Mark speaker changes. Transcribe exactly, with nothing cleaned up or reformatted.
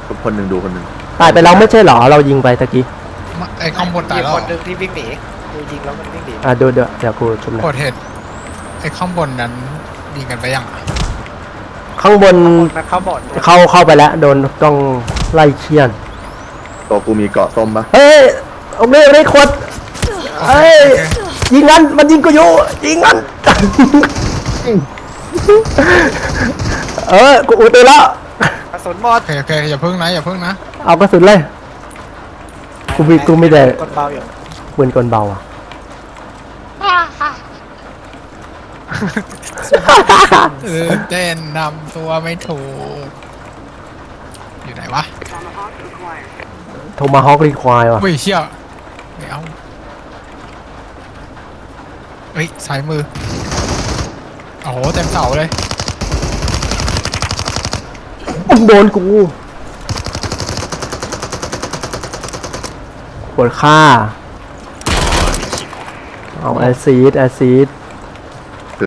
Speaker 1: คนหนึ่งดูคนหนึ่ง
Speaker 2: ตายไปแล้วไม่ใช่เหรอเรายิงไปตะกี้
Speaker 3: ไอ้ข้างบนตายแล้ว
Speaker 4: คนหนึ่งที่วิ่งหนีดูยิงแล้วมันวิ่งหนี
Speaker 2: อ่ะดูเดี๋ยวเดี๋ยวกูชมหนะ
Speaker 3: กดเหตุไอ้ข้างบนนั้นยิงกันไปยัง
Speaker 2: ข้างบน
Speaker 4: มันเข้าบอด
Speaker 2: เข้าเข้าไปแล้วโดนต้องไล่เคียน
Speaker 1: ตัวกูมีเกาะส้มปะ
Speaker 2: เฮ้ยเอาไม่ไม่ขดเฮ้ยยิงงั้นมันยิงกูอยู่ยิงงั้นเออกูอุตื่นแล้ว
Speaker 4: กระสุนหมด
Speaker 3: โอเคโอเคอย่าพึ่งนะอย่าพึ่งนะ
Speaker 2: เอากระสุนเลยกูมีกูมีแต่
Speaker 4: กดเบาอยู่
Speaker 2: ปืนกลเบาอ่ะ
Speaker 3: เออเต้นนำตัวไม่ถูกอยู่ไหนวะ
Speaker 2: โทมาฮอกรีควายว่ะ
Speaker 3: อุ้ยเชี่ยไม่เอาเฮ้ยซ้ายมือโอ้โหเต็มเสาเลย
Speaker 2: โดนกูปวดค่าเอาแอซิดแอซิด